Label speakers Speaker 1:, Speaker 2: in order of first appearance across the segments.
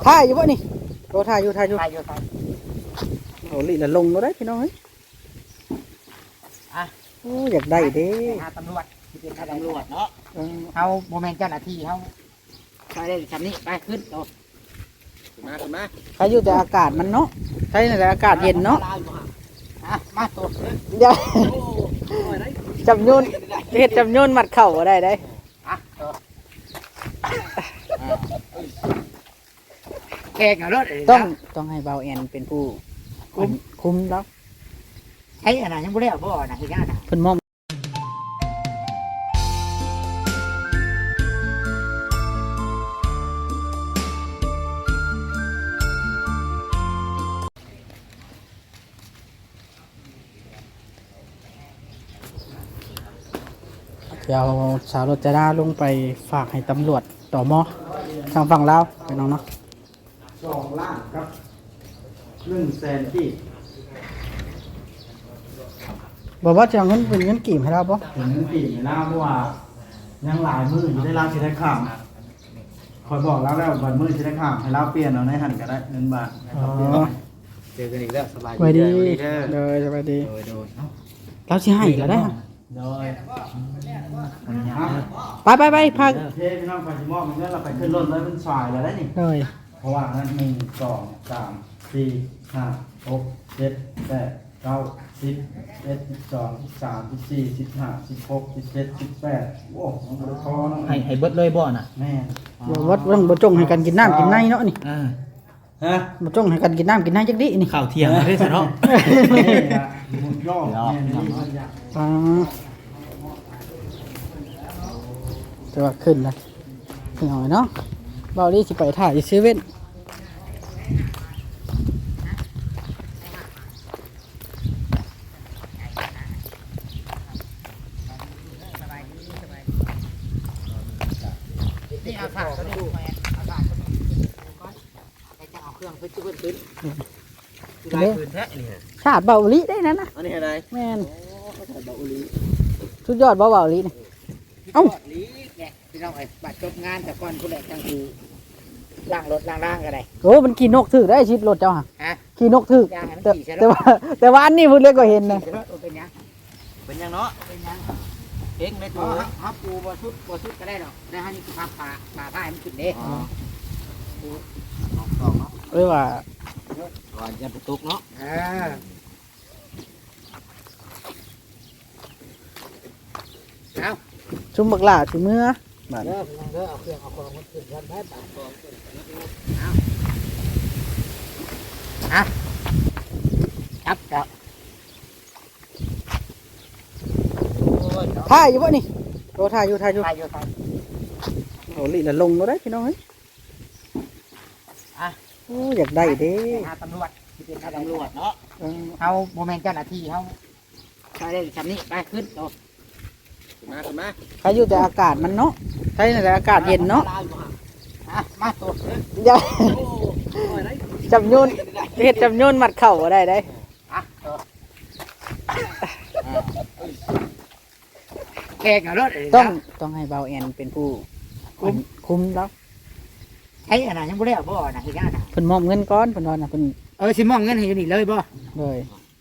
Speaker 1: ถ่ายอยู่บ่นี่โตถ่ายอยู่
Speaker 2: ถ่ายอยู่
Speaker 1: โอ้ลิละลงแล้วได้พี่น้องเฮ้ยโอ้อยากได้เด้
Speaker 2: หาตำรวจที่เป็นตำรวจเนาะเขาโมเมนต์เจ้าหน้าที่เขาไปได้ชั้นนี้ไปขึ้นโตขึ้นมา
Speaker 1: ใครอยู่แต่อากาศมันเนาะใช่แต่อากาศเย็นเนาะ
Speaker 2: มาโต
Speaker 1: เดี๋ยวจำยุ่นเฮ็ดจำยุ่นมัดเข่าก็ได้ได้
Speaker 2: แขกเอารถ
Speaker 1: ต้องให้เบาแอนเป็นผู้คุมแล้ว
Speaker 2: ใช้อะไรยังไม่ได้เอาบ่อนะที่นั่นนะ
Speaker 1: เพิ่นมอมเดี๋ยวสาวรถจะได้ลงไปฝากให้ตำรวจต่อมอทางฝั่งลาวไปน้องเนาะ2 ล้านครับ100,000กีบบอกว่าจะเอาเงินเป็นเงินกีบให้เราปะเป็นเงินกีบให้เราเพราะว่ายังหลายมืออยู่ได้เราสิได้ข้ามคอยบอกแล้ววันมือสิได้ข้ามให้เราเปลี่ยนเอาในหันก็ได้เงินบาท
Speaker 2: เจอกันอีกแล้วสบาย
Speaker 1: สวัสดีเลยสวัสดีเราสิให้ก็ได้ไปพาเทพี่น้องไปชิมอมันเนี่ยเราไปขึ้นรถแล้วมันสายแล้วได้นี่เลยเพราะว่านั้น1 2 3 4 5 6 7 8 9 10 11 12 13 14 15 16 17 18โอ้มันพอเนาะ
Speaker 2: ให้เบิดเลยบ่อน่ะ
Speaker 1: แม่วัดบ่จงให้กันกินน้ำกินในเนาะนี่ฮะบ่จงให้กันกินน้ำกินในจักดินี่
Speaker 2: ข้าวเที่ยงได้ซะเนาะ
Speaker 1: ย่อจะว่าขึ้นนะขึ้นหน่อยเนาะเบาดีสิไปถ่ายเซเว่น
Speaker 2: นี่เอาฝากก็ดูไปเอาฝากก็ดูก่อนไปจะเอาเครื่องขึ้นได้คืนแท้นี่
Speaker 1: ชาติเบาลีได้นั่นนะ
Speaker 2: อันนี้อะไร
Speaker 1: แม่นเบาลีสุดยอดเบาลีนี่
Speaker 2: เอ้าลีเนี่ยพี่น้องไอ้บัตรจบงานแต่ก่อนผู้ใดจังคือล่างรถล่างก็ได้
Speaker 1: โอ้มันขี่นกถือได้ชิดรถเจ้าฮะขี่นกถือแต่ว่าอันนี้พูดเล็กกว่าเห็นนะ
Speaker 2: เป็นยังเนาะเป็นยังเองเลยตัวฮับปูบ่ชุดก็ได้หรอกได้ฮันนี่คือผ้าผ้าให้มันขึ้นเด้
Speaker 1: ว่า
Speaker 2: จะตุกเนาะเอา
Speaker 1: ชุ่มบักหลาชุ่มเมื่อ
Speaker 2: มาเด้อเอาเครื่องเอาของมันขึ้นกันได้ปากก่อนเอาครับ
Speaker 1: ถ่ายอยู่บ่นี่โตถ่ายอยู่โอ้ลิละลงแล้วได้พี่น้องเฮ้ยโอ้อยากได้เด้
Speaker 2: หาตำรวจที่เป็นตำรวจเนาะเขาโมเมนต์เจ้าหน้าที่เขาไปได้ชั้นนี้ไปขึ้นโตขึ้นมา
Speaker 1: ใครอยู่แต่อากาศมันเนาะใช่แต่อากาศเย็นเนาะ
Speaker 2: มาโต
Speaker 1: เดี๋ยวจำยุ่นเฮ็ดจำยุ่นมัดเข่าก็ได้
Speaker 2: แขกเอารถ
Speaker 1: ต้องให้เบาแอนเป็นผู้คุมแล้ว
Speaker 2: ใช้อะไรยังไม่ได้เอาบ่อนะที่นั่นนะ
Speaker 1: เพิ่นมอบเงินก้อนเพิ่นว่านะเพิ่น
Speaker 2: สิมอบเงินให้อยู่นี่เลยบ่
Speaker 1: เลย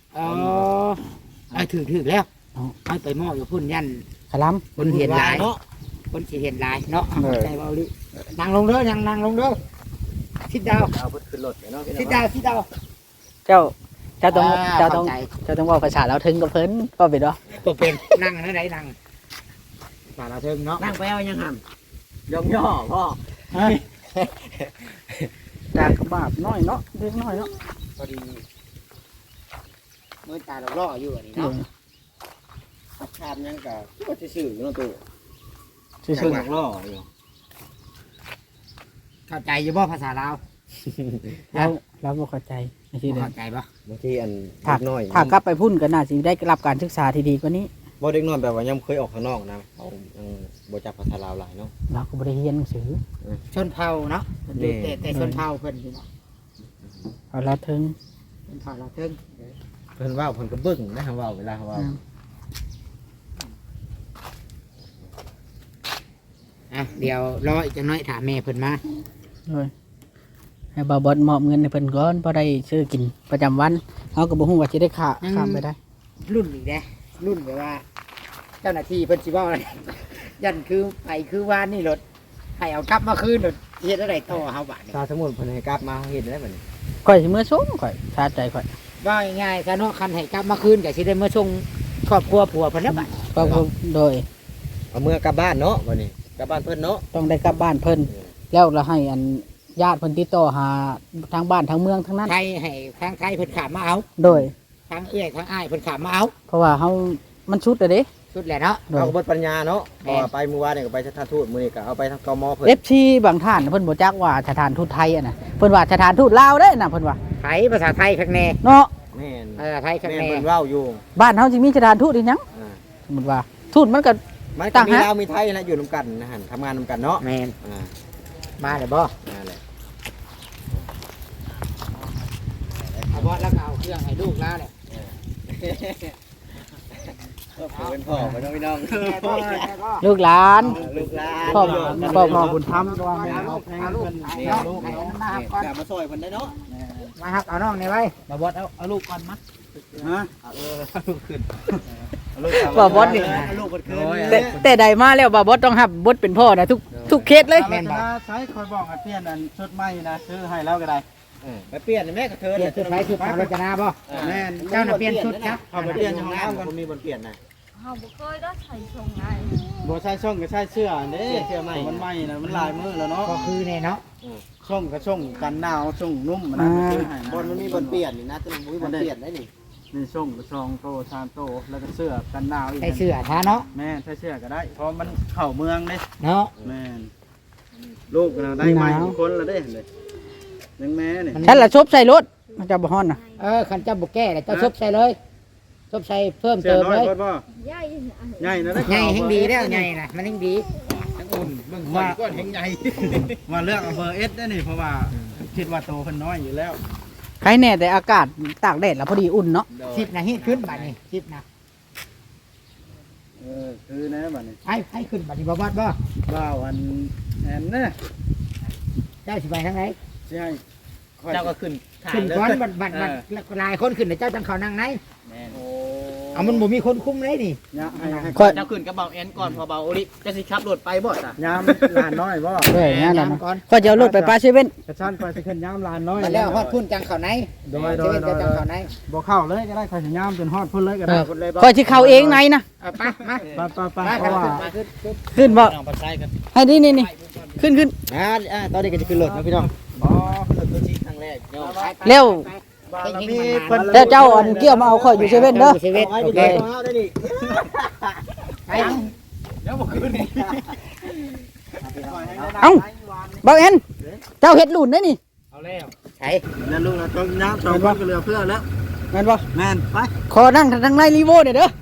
Speaker 2: ถือแล้วเอาไปมอบอยู่พุ่นยัน
Speaker 1: ขลัง
Speaker 2: คนเห็นลายเนาะคนสิเห็นลายเนาะใจเบาลินั่งลงเด้อนั่งลงเด้อชิดดาวเอาขึ้นรถเนาะชิดดาว
Speaker 1: เจ้าต้องว่าภาษาเราถึงกับเพิ่นก็เป็นเนาะ
Speaker 2: ก็เป็นนั่งนั่นไหนนั่งภาษาเราถึงเนาะนั่งไปเอายังห่ำย่อพ่อ
Speaker 1: จากบาปน้อยเนาะเล็กน้อยเนาะ
Speaker 2: พอดีเมื่อตาเราล่ออยู่อันนี้เนาะชามยังกับก็จะสื่อเนาะตัวสื่อหลักล่ออยู่เข้าใจอยู่บ่ภาษาลาว
Speaker 1: เราบ่เข้าใจ
Speaker 2: ไม่ใช่เข้าใจป่ะ
Speaker 3: บางทีอันน้อย
Speaker 1: ถ้ากลับไปพุ่นก็น่าจะได้รับการศึกษาที่ดีกว่านี้
Speaker 3: บ่เด็กน้อยแบบว่ายังเคยออกข้างนอกนะเขาบ่จักภาษาลาวหลายเนาะ
Speaker 1: เราก็บ่ได้เรียนหนังสือ
Speaker 2: ชนเผ่าเนาะแต่ชนเผ่าเพิ่นอยู่เนาะ
Speaker 1: เอาละถึง
Speaker 2: ชนเผ่าเราถึง
Speaker 3: เพิ่นว่าเพิ่นก็เบิ่งนะเว้าเวลาเขาเว้า
Speaker 2: เดี๋ยวรออีกจังน้อยถามแม่เพิ่นมา
Speaker 1: เลย
Speaker 4: ให้บ่าวบอลมอบเงินให้เพิ่นก่อนพอได้ซื้อกินประจำวันเฮาก็บ่ฮู้ว่าสิได้ข้ามไปได้
Speaker 2: รุ่นอีกเด้รุ่นแบบว่า เจ้าหน้าที่เพิ่นสิเว้าอะไร ยันคือไปคือว่านี่รถให้เอากลับมาคืนรถเฮ็ดอะไรต่อเฮาบาดนี้
Speaker 3: ถ้าสมมุติเพิ่นให้กลับมาเฮ็ดได้บัดนี้
Speaker 4: ข่อยสิมื้อส่งข่อยชาใจข่อย
Speaker 2: ว่าง่ายๆถ้าเนาะคันให้กลับมาคืนก็สิได้มาส่งครอบครัวผัวเพิ่นแล้วบาด
Speaker 4: ก็โดย
Speaker 3: เอาเมื่อกลับบ้านเนาะบัดนี้กลับบ้านเพิ่นเนาะ
Speaker 4: ต้องได้กลับบ้านเพิ่นแล้วเราให้อันญาติเพิ่นติดต่อหาทางบ้านทางเมืองทั้งนั้น
Speaker 2: ไทยให้ทางไทยเพิ่นขามมาเอา
Speaker 4: โดย
Speaker 2: ทางเอื้อยทางอ้ายเพิ่นขามมาเอา
Speaker 4: เพราะว่าเฮามันชุดอะเด้
Speaker 2: สุดแหละเนาะ
Speaker 4: โดย
Speaker 3: เอาก็เบิดปัญญาเนาะเพราะว่าไปมื้อวานนี่ก็ไปสถานทูตมื้อนี้ก็เอาไปทางกมเพิ่น
Speaker 4: FC บางท่านเพิ่นบ่จักว่าสถานทูตไทยอะน่ะเพิ่นว่าสถานทูตลาวเด้น่ะเพิ่นว่า
Speaker 2: ไทยภาษาไทยข้างแน่
Speaker 4: เนาะ
Speaker 3: แม่น
Speaker 2: ภาษาไทยข้าง
Speaker 3: แม่น
Speaker 2: แน่
Speaker 3: เพิ่นเว้าอยู่
Speaker 4: บ้านเฮาสิมีสถานทูตอีหยัง
Speaker 3: อ่า
Speaker 4: สมมุติว่าทูตมันก็
Speaker 3: มัน
Speaker 4: ต่า
Speaker 3: ก็
Speaker 4: ง
Speaker 3: มี
Speaker 4: ฮะ
Speaker 3: ลาวมีไทยนะอยู่นํกันนะหั่นทำงานนํกันเนาะ
Speaker 2: แม่น
Speaker 3: อ่า
Speaker 2: มาเลยบ่
Speaker 3: นั่นแหละ
Speaker 2: เอาบ่แล้วก็เอาเครื่องให้ลูกแล้วแหละ
Speaker 3: เป็นพ่อบ่น้องพี่น้อง
Speaker 4: ลูกหลาน
Speaker 3: ลูกหลาน
Speaker 4: พ่อบุญธรรม
Speaker 2: เอาลูกเอาลูก
Speaker 3: นี่
Speaker 2: เอา
Speaker 3: ลู
Speaker 2: ลู
Speaker 3: ก
Speaker 2: ก
Speaker 3: ให้
Speaker 2: ให้
Speaker 3: น้
Speaker 2: น้ำมาก่อน
Speaker 3: กลับมาซอยเพิ่นได้เนาะ
Speaker 2: มาครับเอาน้องนี่ไว้
Speaker 4: บ่บอสเอาลูกก่อนมั้ย
Speaker 1: ฮะ
Speaker 3: ลูกขึ้น
Speaker 4: บ่บอสนี่
Speaker 3: ลูกเพิ่นขึ้น
Speaker 4: แต่ใดมาแล้วบ่บอสต้องรับบทเป็นพ่อนะทุกเคสเลย
Speaker 1: แม่นบ่ใช้คอยบอกให้เปลี่ยนอันชุดใหม่นะซื้อให้แล้วก็ได้
Speaker 3: ไปเปลี่ยนแม่กับเธอ
Speaker 2: เปลี่ยนชุดไว้ชุดทางรจนาบ่
Speaker 1: แม่น
Speaker 2: เจ้าน่ะเปลี่ยนชุดครับ
Speaker 3: เอาไปเปลี่ยนห้องน้ำกันมีบนเปลี่ยนนะ
Speaker 5: เขาบ่เคยได้ใส่ชงไง
Speaker 1: บ่ใช่ช่องก็ใช่เสื้อเด้
Speaker 3: เสื้อใหม่
Speaker 1: มันใหม่นะมันลายมือแล้วเนาะ
Speaker 2: ก็คือเนี่ยเนาะ
Speaker 1: ช่องก็ช่องกันหนาวช่องนุ่มมันนะซื้อให้
Speaker 3: บนมันมีบนเปลี่ยนนี่นะแต่มันมีบนเปลี่ยนได้นี่
Speaker 1: มีช่องก็ช่องโตชามโตแล้วก็เสื้อกันหนาวอีก
Speaker 2: ใส่เสื้อทาเนาะ
Speaker 1: แม่ใส่เสื้อก็ได้เพราะมันเข้าเมืองเด้
Speaker 2: เนาะ
Speaker 1: แม่นลูกเราได้ใหม่ทุกคนแล้วเด้เลยยังแม่นี่
Speaker 4: ฉันละชบใส่รถมันจะบ่ฮ้อนน่ะ
Speaker 2: คันเจ้าบ่แก้เลยเจ้าซบใส่เลยซบใส่เพิ่ม
Speaker 1: เสื้อ
Speaker 2: เติม
Speaker 1: น้อ
Speaker 2: เลย ย
Speaker 1: เพิ่นบ่
Speaker 5: ย่ายนะ
Speaker 1: ใหญ่นะได้
Speaker 2: ใหญ่แห่งดีแล้วใหญ่น่ะมันแห่งดี
Speaker 1: ว่าก้อนแห่งใหญ่ว่าเลือกเอาเบอร์เอสได้นี่เพราะว่าคิดว่าโตเพิ่นน้อยอยู่แล้ว
Speaker 4: ใครแน่แต่อากาศตากแดดแล้วพอดีอุ่นเนาะ
Speaker 2: 10น่ะฮิตขึ้นบัดนี้10น่ะ
Speaker 1: คือนะบัดนี้
Speaker 2: ให้ขึ้นบัดนี้บ่วัดบ่
Speaker 1: บ้าวอันแอนนะ
Speaker 2: เจ้าสิไปทางไหน
Speaker 1: สิให้
Speaker 3: เจ้าก็ขึ้น
Speaker 2: ขึ้นก่อนบัดหลายคนขึ้นเจ้าจังเขานั่งไหน
Speaker 1: โอ้
Speaker 2: เอามันบ่มีคนคุมเลยนี่
Speaker 1: ยามให้
Speaker 4: ค่อย
Speaker 3: เจ้าขึ้นกระเป๋าแอนก่อนพอเบาโอลิจะสิขับรถไปบ่จ้ะ
Speaker 1: ยามลานน้อยบ่
Speaker 4: เด้อนั่นน่ะ
Speaker 2: ก่อน
Speaker 4: ก็จะเอารถไปปาเซเว่น
Speaker 1: กระชั้นไปสิขึ้นยามลานน้อย
Speaker 2: มาแล้วฮอดพุ่นจังเขาไหน
Speaker 1: โดย
Speaker 2: เจ้าจังเขาไหน
Speaker 1: บ่เข้าเลยก็ได้ใครสิยามจนฮอดพุ่นเลยก็ได้
Speaker 2: พุ่นเลยบ่
Speaker 4: ค่อยสิเข้าเองในนะ
Speaker 2: ไปมา
Speaker 1: ไปเพราะว่า
Speaker 4: ขึ้นบ่
Speaker 3: น้องปัดใช้กัน
Speaker 4: ให้นี่ขึ้น
Speaker 3: ตอนนี้ก็จะขึ้นรถนะพี่น้อง
Speaker 1: อ๋อ
Speaker 3: ขึ้นรถตัวจริงครั้งแรกเนาะ
Speaker 4: เร็ว
Speaker 1: บารมีเพิ่น
Speaker 4: แล้วเจ้าอันเกี่ยวมาเอาค่อยอยู่เซเว่นเด้อ
Speaker 2: เซเว่นโอเค
Speaker 3: ได้ดิ
Speaker 2: ไป
Speaker 1: เดี๋ยวบ่ขึ้นนี่
Speaker 4: เอ้าบ่าวแอนเจ้าเฮ็ดลุ่นได้นี่
Speaker 1: เอาแล้ว
Speaker 2: ใช่
Speaker 1: แล้วลูกเราต้องยาม2คนก็เหลือเพื่อแล้ว
Speaker 4: แม่นบ่
Speaker 1: แม่นไป
Speaker 4: ขอนั่งทางในรีโวเด้อ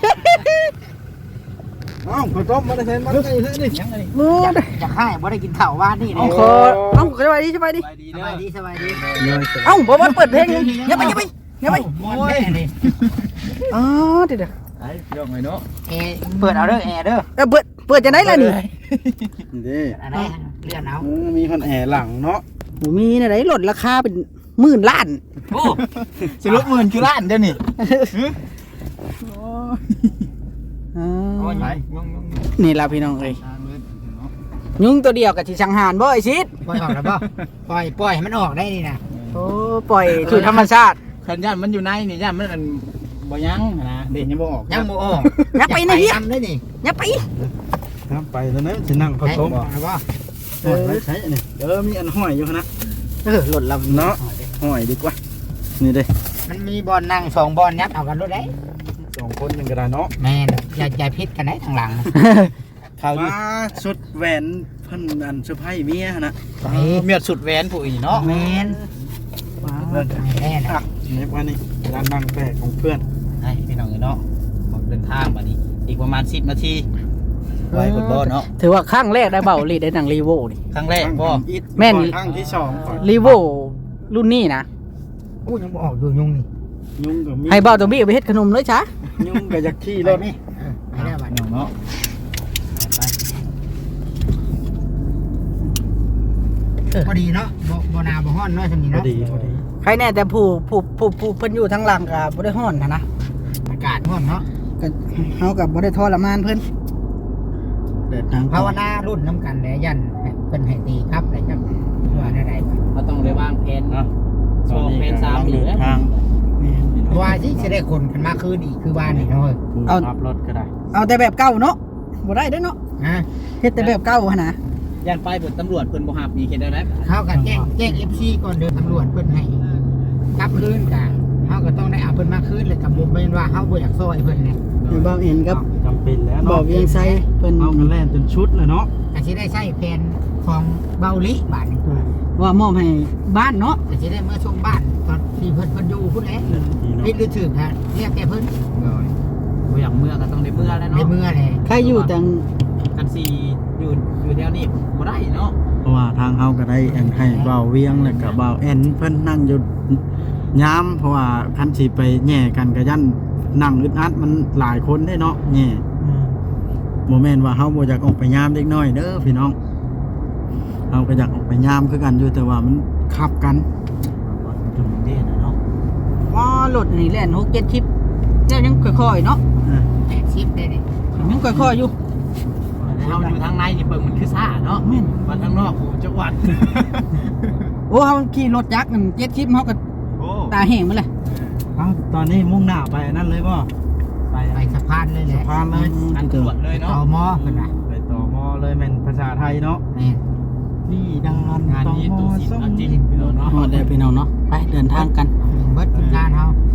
Speaker 1: เอ้าขอต้มมาได้เห็นมาได้เห็นนี่ยังไง
Speaker 4: มู
Speaker 2: จะให้บ่ได้กินข้าวว่านนี่
Speaker 4: เอาขอเอ้าสบายดี
Speaker 2: สบายดีสบายดี
Speaker 4: เอ้าบ่บ่เปิดเพลงอย่าไป
Speaker 2: โอ้ยนี่
Speaker 4: อ๋อเดี๋ยว
Speaker 1: ไอ้ยกหน่อยเนาะ
Speaker 2: เปิดเอาเด้อแอร์เด้อ
Speaker 4: เปิดจะได้ล่ะนี่
Speaker 1: นี่
Speaker 2: อะไรเลื่อนเอา
Speaker 1: มีคนแอร์หลังเนาะ
Speaker 4: บ่มีนะได้ลดราคาเป็นหมื่นล้าน
Speaker 2: โอ้
Speaker 1: สิลบ10,000คือล้านเดี๋ยวนี้
Speaker 4: อ๋อ
Speaker 1: ไป
Speaker 4: นี่ล่ะพี่น้องเอ้ยยุงตัวเดียวกับที่สังหารบ่ไอ้ชิด
Speaker 2: ปล่อยออกแล้วบ่ปล่อยให้มันออกได้นี่นะ
Speaker 4: โอ้ปล่อยสู่ธรรมชาติ
Speaker 1: ขันย่านมันอยู่ในนี่ย่านมันบ่ยั้งนะเด็กยังบ่ออก
Speaker 2: ยังบ่ออก
Speaker 4: อย่าไปนะเฮีย
Speaker 2: ทำได้นี่
Speaker 4: อย่าไป
Speaker 1: ครับไปแล้วนะสินั่งเขาต้ม
Speaker 2: บ่
Speaker 1: ใช้นี่เดี๋ยวมีอันห้อยอยู่นะ
Speaker 4: หล่นลำ
Speaker 1: เนาะห้อยดีกว่านี่เด้
Speaker 2: มันมีบอลนั่ง2บอลยัดเอากันรถได้
Speaker 1: 2คนยังก็ได้เนาะ
Speaker 2: แม่นอย่าพิษกันได้ทางหลัง
Speaker 1: เขามาสุดแหวนเพิ่นอันเซอร์ไพรส์เมียนะ
Speaker 3: เมียสุดแหวนผู้อีเนาะ
Speaker 2: แม่นแม่น
Speaker 1: อ่ะนี่ว่านี่ร้านนั่งแปลกของเพื่อน
Speaker 3: ให้พี่น้องเนาะเดินทางมานี้อีกประมาณ10นาทีไว้บนบ่เนาะ
Speaker 4: ถือว่าครั้งแรกได้เบาลีได้หนังรีโวนี่
Speaker 3: ครั้งแรกพ่อ
Speaker 4: แม่น
Speaker 1: ครั้งที่2ก่อน
Speaker 4: รีโวรุ่นนี้นะ
Speaker 2: อู้ยังบ่ออกอยู่ยุงนี่
Speaker 1: ยุ่งกับมี
Speaker 4: ให้เบาตัวบี้ไปเฮ็ดขนมเลยจ้ะ
Speaker 1: ยุ่งกับยักษ์ขี้รถ
Speaker 2: นี่ไปแล้วบัด
Speaker 1: เนาะ
Speaker 2: เพอดีเนาะบ่หนาวบ่ร้อนเนาะซั่นนี่
Speaker 1: พอ
Speaker 2: เนาะ
Speaker 1: ดีพอดี
Speaker 4: ใครแน่แต่ผู้เพิ่นอยู่ทางหลังก็บ่ได้ฮ้อนนะ
Speaker 2: อากาศร้อนเนาะ
Speaker 4: ก็เฮาก็บ่ได้ทรมานเพิ่น
Speaker 1: เดินทาง
Speaker 2: ภาวนารุ่นน้ำกันแหละยันเพิ่นให้ตีครับอะไรจังว่าได้
Speaker 3: เราต้องได้วางแผน
Speaker 1: เนาะ
Speaker 3: สองแผนสาม
Speaker 1: เดินทาง
Speaker 2: ว่าสิจะได้คนกันมาคืนอีกคือบ้านนี่เนาะ
Speaker 1: เอาขับรถก็ได้
Speaker 4: เอาแต่แบบเก่าเนาะบ่ได้เด้อเนาะ
Speaker 2: ฮะ
Speaker 4: เฮ็ดแต่แบบเก่าหั่นน่ะ
Speaker 3: ย่านไปเปิดตำรวจเพิ่นบ่ฮับมีเฮ็ดได้ไหม
Speaker 2: เขาก็แจ้ง FC ก่อนเดินตำรวจเพิ่นให้กลับคืนกันเขาก็ต้องได้เอาเพิ่นมาคืนเลยกับบ่แม่นว่าเฮาบ่อยากซอยเพิ่นเนี่ย
Speaker 4: ให้บ่าวเห็นกับ
Speaker 1: จำเป็นแล้ว
Speaker 4: บ่าวเวียงไซเพิ่น
Speaker 1: เอากันแล่นจนชุดเลยเนาะ
Speaker 2: ก็สิได้ใช้แผนของเบาลิบาทนี่กู
Speaker 4: ว่ามอบให้บ้านเนาะ
Speaker 2: ก็สิได้เมื่อช่วงบ้านตอนที่เพิ่นอยู่พุ่นแหละผิดหรือถูกฮะเรียกแกเพิ่น
Speaker 3: บ่อยากเมื่อก็ต้องได้เมื่อแล้ว
Speaker 2: ใน
Speaker 3: เนาะ
Speaker 2: เมื่อเลย
Speaker 4: ใครอยู่จัง
Speaker 3: กันซีอยู่แถวนี้บ่ได้เนาะ
Speaker 1: เพราะว่าทางเฮาก็ได้แอนให้เบาเวียงแล้วก็เบาแอนเพิ่นนั่งอยู่ยามเพราะว่าคันสิไปแย่กันก็ยันนั่งอึดอัดมันหลายคนได้เนาะแย่บ่แม่นว่าเฮาบ่อยากออกไปยามเด็กน้อยเด้อพี่น้องเฮาก็อยากออกไปยามคือกันอยู่แต่ว่ามันขับกันจนเด้นะเนาะ
Speaker 4: อ๋อรถนี่แล่น6-7ชิปแล้วยังค่อยๆเนาะ
Speaker 2: 80ได้นี่
Speaker 4: ยังค่อยๆอยู่
Speaker 3: เฮาอยู่ทางในนี่เบิ่งมันคือซ่าเนาะ
Speaker 4: แม่น
Speaker 3: ว่าทางนอกกูจังหวัด
Speaker 4: โอ้เฮาขี่รถจักรนั่น7ชิปเฮาก็
Speaker 3: โอ้
Speaker 4: ตาแห้งหมดเลย
Speaker 1: เอ้าตอนนี้มุ่งหน้าไปอันนั้นเลยบ่
Speaker 2: ไปสะพานเลยแห
Speaker 1: สะ
Speaker 2: ละ
Speaker 1: พานเลย
Speaker 3: อันตรวจเลย
Speaker 2: ต่อ
Speaker 3: เนาะ
Speaker 2: มอเพิ่นน่ะ
Speaker 1: ไปต่อมอเลยแม่นภาษาไทยเนาะ
Speaker 2: แม่น
Speaker 1: นี่ดังนั้น
Speaker 3: งานนี้ตู้สิเอาจริงพี่น้องเนาะ
Speaker 4: ฮอดแล้วพี่น้องเนาะไปเดินทางกัน
Speaker 2: เบิดทีมงานเฮา